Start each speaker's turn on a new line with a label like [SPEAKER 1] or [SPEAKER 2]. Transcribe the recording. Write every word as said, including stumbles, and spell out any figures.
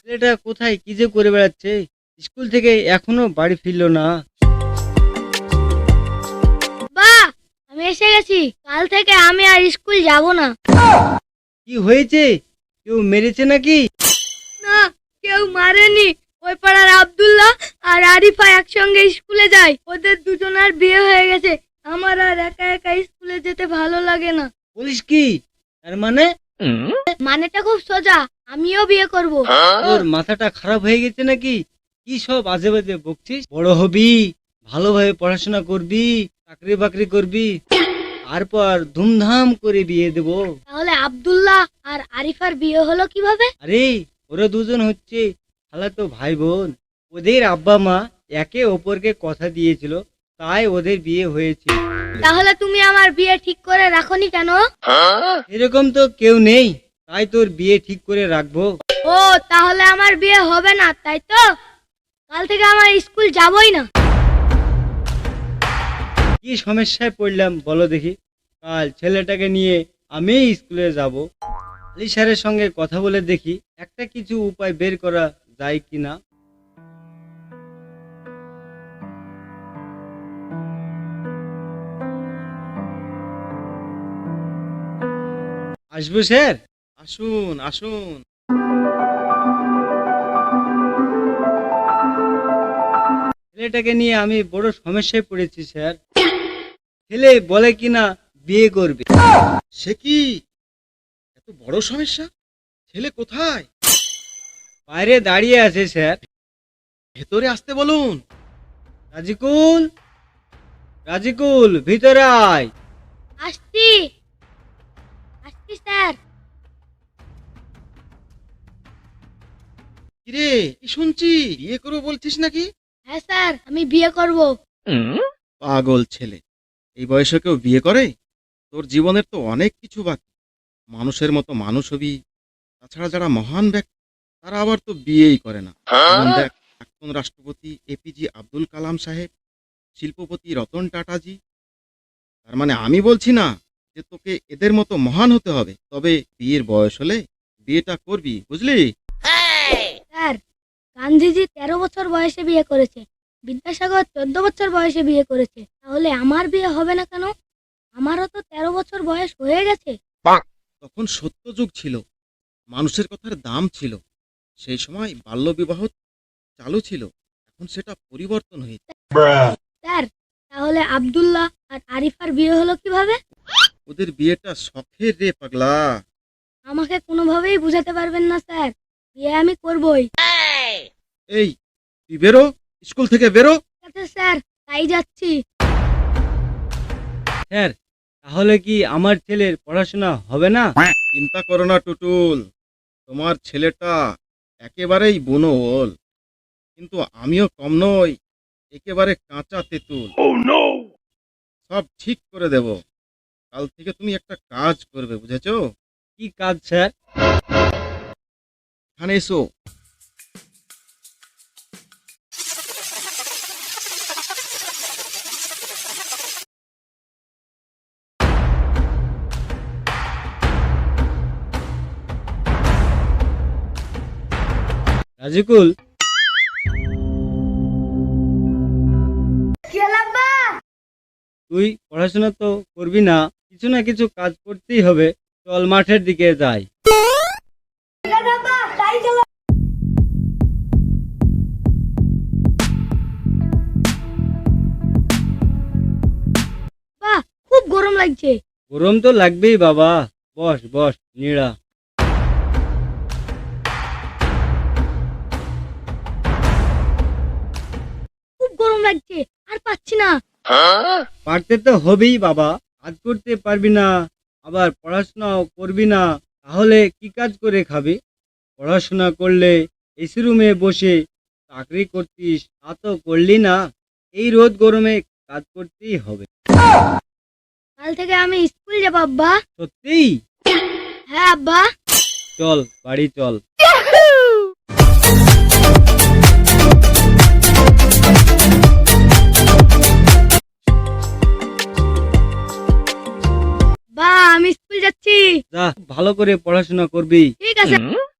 [SPEAKER 1] ছেলেটা কোথায় কি যে করে বেড়াচ্ছে, স্কুল থেকে এখনো বাড়ি ফিরলো না।
[SPEAKER 2] বাহ, আমি এসে গেছি। কাল থেকে আমি আর স্কুল যাব না।
[SPEAKER 1] কি হয়েছে, কেউ মেরেছে নাকি?
[SPEAKER 2] না, কেউ মারেনি। ওই পাড়ার আব্দুল্লাহ আর আরিফা একসঙ্গে স্কুলে যায়। ওদের দুজনের বিয়ে হয়ে গেছে। আমার আর একা একা স্কুলে যেতে ভালো লাগে না।
[SPEAKER 1] বলিস কি? তার মানে
[SPEAKER 2] মানেটা খুব সোজা, আমিও বিয়ে করব।
[SPEAKER 1] তোর মাথাটা খারাপ হয়ে গেছে নাকি? কি সব আজে বাজে বকছিস? বড় হবি, ভালোভাবে পড়াশোনা করবি, চাকরি বাকরি করবি, তারপর ধুমধাম করে বিয়ে দেব।
[SPEAKER 2] তাহলে আব্দুল্লাহ আর আরিফার বিয়ে হলো কিভাবে?
[SPEAKER 1] আরে ওরা দুজন হচ্ছে খালাতো ভাই বোন। ওদের আব্বা মা একে অপরকে কথা দিয়েছিল, তাই ওদের বিয়ে হয়েছে।
[SPEAKER 2] তাহলে তুমি আমার বিয়ে ঠিক করে রাখোনি কেন?
[SPEAKER 1] এরকম তো কেউ নেই, তাই তোর বিয়ে ঠিক করে রাখবো।
[SPEAKER 2] ও, তাহলে আমার বিয়ে হবে না, তাই তো? কাল থেকে আমার স্কুল যাবই না।
[SPEAKER 1] কি সমস্যায় পড়লাম বলো দেখি? কাল ছেলেটাকে নিয়ে আমি স্কুলে যাব। আলী স্যারের সঙ্গে কথা বলে দেখি একটা কিছু উপায় বের করা যায় কিনা। আসবো স্যার?
[SPEAKER 3] আসুন আসুন।
[SPEAKER 1] ছেলেটাকে নিয়ে আমি বড় সমস্যায় পড়েছি স্যার। ছেলে বলে কিনা বিয়ে করবে।
[SPEAKER 3] সে কি, এত বড় সমস্যা? ছেলে কোথায়?
[SPEAKER 1] বাইরে দাঁড়িয়ে আছে স্যার।
[SPEAKER 3] ভেতরে আসতে বলুন।
[SPEAKER 1] রাজিকুল, রাজিকুল ভিতরে আয়।
[SPEAKER 2] আসছি আসছি স্যার।
[SPEAKER 3] কিরে, কি শুনছি, বিয়ে করবো বলছিস নাকি?
[SPEAKER 2] হ্যাঁ স্যার, আমি বিয়ে করব।
[SPEAKER 3] পাগল ছেলে, এই বয়সে কেউ বিয়ে করে? তোর জীবনের তো অনেক কিছু বাকি। মানুষের মতো মানুষ হবি। তাছাড়া যারা মহান ব্যক্তি তারা আবার তো বিয়েই করে না। যেমন দেখ, প্রাক্তন রাষ্ট্রপতি এপিজে আব্দুল কালাম সাহেব, শিল্পপতি রতন টাটাজি। তার মানে আমি বলছি না যে তোকে এদের মতো মহান হতে হবে, তবে বিয়ের বয়স হলে বিয়েটা করবি, বুঝলি?
[SPEAKER 2] স্যার, গান্ধীজি তেরো বছর বয়সে বিয়ে করেছে, বিদ্যাসাগর চোদ্দ বছর বয়সে বিয়ে করেছে। তাহলে আমার বিয়ে হবে না কেন? আমারও তো তেরো বছর বয়স হয়ে গেছে।
[SPEAKER 3] তখন সত্যযুগ ছিল, মানুষের কথার দাম ছিল। সেই সময় বাল্যবিবাহ চালু ছিল, এখন সেটা পরিবর্তন হয়েছে।
[SPEAKER 2] স্যার, তাহলে আব্দুল্লাহ আর আরিফার বিয়ে হলো কিভাবে?
[SPEAKER 3] ওদের বিয়েটা শখের রে পাগলা।
[SPEAKER 2] আমাকে কোনোভাবেই বুঝাতে পারবেন না স্যার, বিয়ে আমি করবই।
[SPEAKER 3] এই, তুই বেরো, স্কুল থেকে বেরো।
[SPEAKER 2] ঠিক আছে স্যার, তাই যাচ্ছি।
[SPEAKER 1] স্যার, তাহলে কি আমার ছেলের পড়াশোনা হবে না?
[SPEAKER 3] চিন্তা করো না টুটুল, তোমার ছেলেটা একেবারেই বুনো ওল, কিন্তু আমিও কম নই, একেবারে কাঁচা তেঁতুল। সব ঠিক করে দেব। কাল থেকে তুমি একটা কাজ করবে, বুঝেছো?
[SPEAKER 1] কি কাজ স্যার?
[SPEAKER 3] এখানে এসো।
[SPEAKER 1] রাজিকুল, তুই পড়াশোনা তো করবি না, কিছু না কিছু কাজ করতেই হবে। চল মাঠের দিকে যাই।
[SPEAKER 2] বাহ, খুব গরম লাগছে।
[SPEAKER 1] গরম তো লাগবেই বাবা, বস বস নিড়া।
[SPEAKER 2] খুব গরম লাগছে, আর পাচ্ছি না।
[SPEAKER 1] পারতে তো হবেই বাবা, কাজ করতে পারবি না, আবার পড়াশোনাও করবি না, তাহলে কি কাজ করে খাবি? পড়াশোনা করলে এসি রুমে বসে চাকরি করতিস, তা তো করলি না। এই রোদ গরমে কাজ করতেই হবে।
[SPEAKER 2] কাল থেকে আমি স্কুল যাব আব্বা।
[SPEAKER 1] সত্যিই?
[SPEAKER 2] হ্যাঁ আব্বা।
[SPEAKER 1] চল বাড়ি চল।
[SPEAKER 2] বা, আমি স্কুল যাচ্ছি।
[SPEAKER 1] যা, ভালো করে পড়াশোনা করবি।
[SPEAKER 2] ঠিক আছে।